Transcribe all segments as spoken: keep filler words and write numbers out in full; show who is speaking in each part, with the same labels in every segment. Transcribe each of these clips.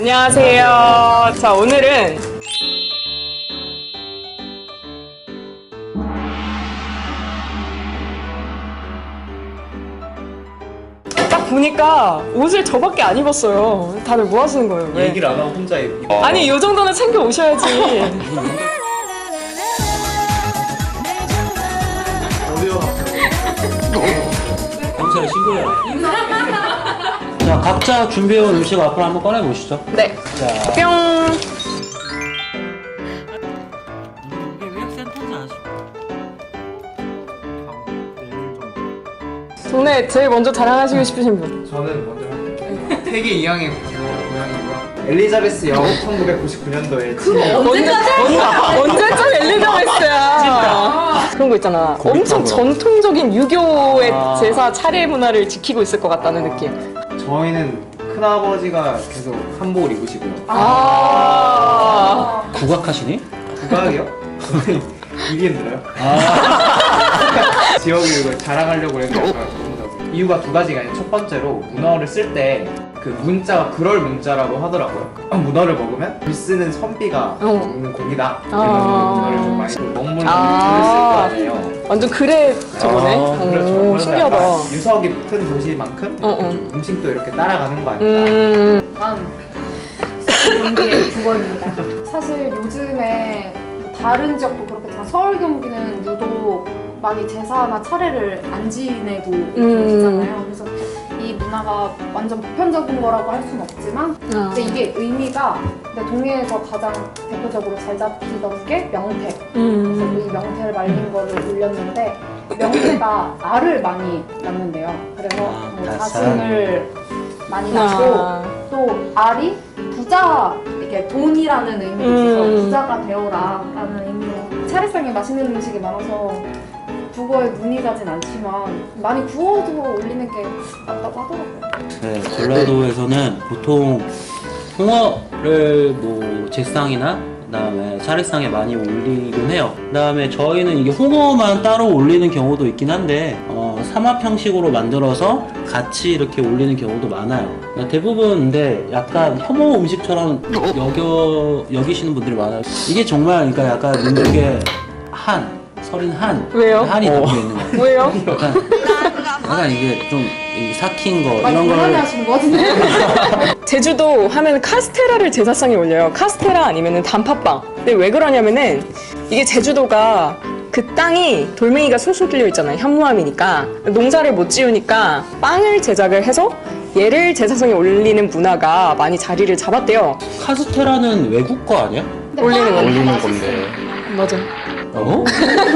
Speaker 1: 안녕하세요. 안녕하세요. 자, 오늘은 딱 보니까 옷을 저밖에 안 입었어요. 다들 뭐 하시는 거예요? 왜?
Speaker 2: 얘기를 안 하고 혼자 입고.
Speaker 1: 아니, 이 정도는 챙겨 오셔야지.
Speaker 3: 경찰에 신고해라. 자, 각자 준비해온 음식 앞으로 한번 꺼내보시죠.
Speaker 1: 네.
Speaker 3: 자,
Speaker 1: 뿅.
Speaker 3: 이게 위액센터인지 아시죠?
Speaker 1: 동네 제일 먼저 자랑하시고 싶으신 분.
Speaker 2: 저는 먼저 할게요. 태계 이항의 고향이고요. 엘리자베스 여우 천구백구십구 년도에
Speaker 1: 언제, 언제적 엘리자베스야. 그런 거 있잖아. 엄청 전통적인 유교의
Speaker 3: 아.
Speaker 1: 제사 차례 문화를 지키고 있을 것 같다는 느낌.
Speaker 2: 저희는 큰아버지가 계속 한복을 입으시고요.
Speaker 1: 아.
Speaker 3: 국악하시니?
Speaker 2: 국악이요? 이게 힘들어요? 지역을 이걸 자랑하려고 해서 약간 너무 자주. 이유가 두 가지가 있는데 첫 번째로 문어를 쓸 때 그 문자가 그럴 문자라고 하더라고요. 문어를 먹으면 글 쓰는 선비가
Speaker 1: 어.
Speaker 2: 먹는 고기다.
Speaker 1: 아.
Speaker 2: 이런 문어를 좀 많이 먹물로
Speaker 1: 아.
Speaker 2: 글을 쓸 거 아니에요.
Speaker 1: 완전 그래 저거네.
Speaker 3: 아,
Speaker 2: 그렇죠.
Speaker 1: 오,
Speaker 2: 그래서
Speaker 1: 신기하다.
Speaker 2: 약간 유서 깊은 도시만큼
Speaker 1: 어, 어.
Speaker 2: 음식도 이렇게 따라가는 거 아닐까.
Speaker 1: 음.
Speaker 4: 다음 경기의 국어입니다. 사실 요즘에 다른 지역도 그렇겠지만 서울 경기는 유독 많이 제사나 차례를 안 지내고
Speaker 1: 음.
Speaker 4: 계시잖아요. 그래서 이 문화가 완전 보편적인 거라고 할 수는 없지만
Speaker 1: 아.
Speaker 4: 근데 이게 의미가 근데 동해에서 가장 대표적으로 잘 잡히던 게 명태. 그래서
Speaker 1: 음.
Speaker 4: 이 명태를 말린 거를 올렸는데 명태가 알을 많이 낳는데요. 그래서
Speaker 3: 아,
Speaker 4: 뭐
Speaker 3: 닭살.
Speaker 4: 자신을 많이 낳고
Speaker 1: 아.
Speaker 4: 또 알이 부자, 이렇게 돈이라는 의미도 있어서
Speaker 1: 음.
Speaker 4: 부자가 되어라라는 의미로 차례상에 맛있는 음식이 많아서 국어에 눈이 가진 않지만 많이 구워서 올리는 게 낫다고 하더라고요.
Speaker 3: 네, 전라도에서는 보통 홍어를 뭐 제상이나 그다음에 차례상에 많이 올리긴 해요. 그다음에 저희는 이게 홍어만 따로 올리는 경우도 있긴 한데 어, 삼합 형식으로 만들어서 같이 이렇게 올리는 경우도 많아요. 그러니까 대부분 근데 약간 혐오 음식처럼 여겨 여기시는 분들이 많아요. 이게 정말 그러니까 약간 민족의 한 서린 한
Speaker 1: 왜요?
Speaker 3: 한이 담겨 있는 거예요.
Speaker 1: 뭐예요?
Speaker 3: 약간, 약간 이게 좀 이 삭힌 거
Speaker 4: 많이
Speaker 3: 이런
Speaker 4: 불안해
Speaker 3: 걸
Speaker 4: 하시는 거 같은데?
Speaker 1: 제주도 하면 카스테라를 제사상에 올려요. 카스테라 아니면 단팥빵. 근데 왜 그러냐면은 이게 제주도가 그 땅이 돌멩이가 술술 뚫려 있잖아요. 현무암이니까 농사를 못 지으니까 빵을 제작을 해서 얘를 제사상에 올리는 문화가 많이 자리를 잡았대요.
Speaker 3: 카스테라는 외국 거 아니야?
Speaker 1: 올리는 거.
Speaker 5: 올리는 건데
Speaker 1: 맞아.
Speaker 3: 어?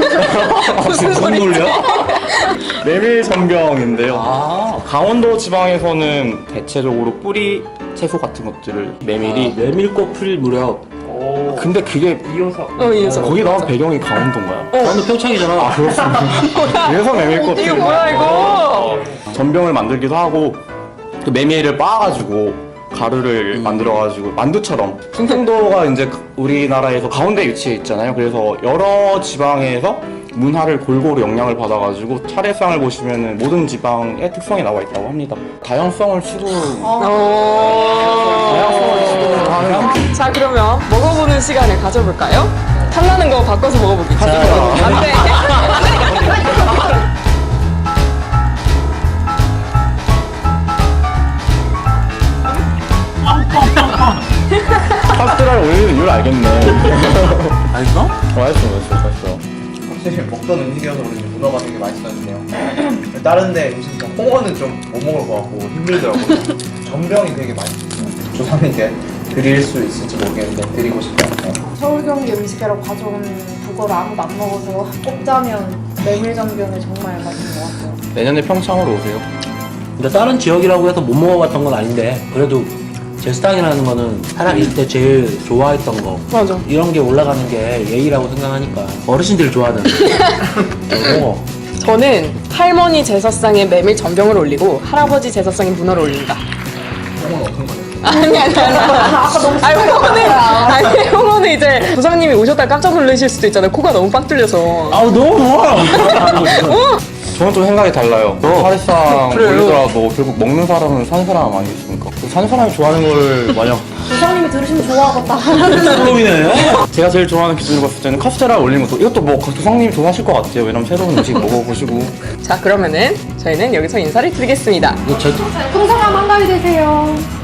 Speaker 1: 무슨 소리지?
Speaker 3: 놀려?
Speaker 5: 메밀 전병인데요.
Speaker 3: 아,
Speaker 5: 강원도 지방에서는 대체적으로 뿌리 채소 같은 것들을 메밀이
Speaker 3: 아, 메밀꽃 필 무렵.
Speaker 2: 오.
Speaker 5: 근데 그게
Speaker 2: 이어서
Speaker 1: 어, 이어서.
Speaker 5: 거기 나온 배경이 강원도인가요?
Speaker 3: 저는 평창이잖아.
Speaker 5: 아 그렇습니다. 그래서 메밀꽃
Speaker 1: 이거 뭐야 이거?
Speaker 5: 전병을 만들기도 하고 또 메밀을 빻아가지고 가루를
Speaker 3: 음.
Speaker 5: 만들어가지고 만두처럼 충청도가 이제 우리나라에서 가운데 위치해 있잖아요. 그래서 여러 지방에서 문화를 골고루 영향을 받아가지고 차례상을 보시면은 모든 지방의 특성이 나와 있다고 합니다. 다양성을 추구
Speaker 1: 어...
Speaker 5: 다양성을 추구하는
Speaker 1: 자 그러면 먹어보는 시간을 가져볼까요? 탐나는 거 바꿔서 먹어보기.
Speaker 3: 자,
Speaker 1: 안 돼.
Speaker 5: 카스테라를 올리는 이유를 알겠네.
Speaker 3: 알겠어?
Speaker 5: 어, 맛있어, 맛있어, 맛있어.
Speaker 2: 확실히 먹던 음식이어서 그런지 문어가 되게 맛있었는데요. 다른 데 음식 좀 홍어는 좀 못 먹을 것 같고 힘들더라고요. 전병이 되게 맛있었어요. 조상님께 드릴 수 있을지 모르겠는데 드리고 싶어요.
Speaker 4: 서울 경기 음식이라고 가져온 국어를 아무도 안 먹어서 꼽자면 메밀전병이 정말 맛있는 것 같아요.
Speaker 5: 내년에 평창으로 오세요.
Speaker 3: 근데 다른 지역이라고 해서 못 먹어봤던 건 아닌데 그래도 제스탕이라는 거는 살아있을 때 제일 좋아했던 거
Speaker 1: 맞아.
Speaker 3: 이런 게 올라가는 게 예의라고 생각하니까 어르신들이 좋아하는 거.
Speaker 1: 저는 할머니 제사상에 메밀 전병을 올리고 할아버지 제사상에 문어를 올린다.
Speaker 2: 홍어는 어떤 거예요?
Speaker 1: 아니 아니 아니. 아니 홍어는 아니 홍어는 이제 부장님이 오셨다 깜짝 놀라실 수도 있잖아요. 코가 너무 빡 뚫려서.
Speaker 3: 아우 너무 좋아.
Speaker 5: 저는 좀 생각이 달라요.
Speaker 3: 어.
Speaker 5: 사실상
Speaker 1: 그래요?
Speaker 5: 올리더라도 결국 먹는 사람은 산 사람 아니겠습니까? 사는 사람이 좋아하는 걸 마냥
Speaker 4: 조상님이 들으시면 좋아하겠다.
Speaker 3: 솔로미네.
Speaker 5: 제가 제일 좋아하는 기준으로 봤을 때는 카스테라 올린 것도 이것도 뭐 조상님 좋아하실 것 같아요. 왜냐면 새로운 음식 먹어보시고.
Speaker 1: 자, 그러면은 저희는 여기서 인사를 드리겠습니다.
Speaker 3: 이거 저
Speaker 4: 풍성한 한가위 되세요.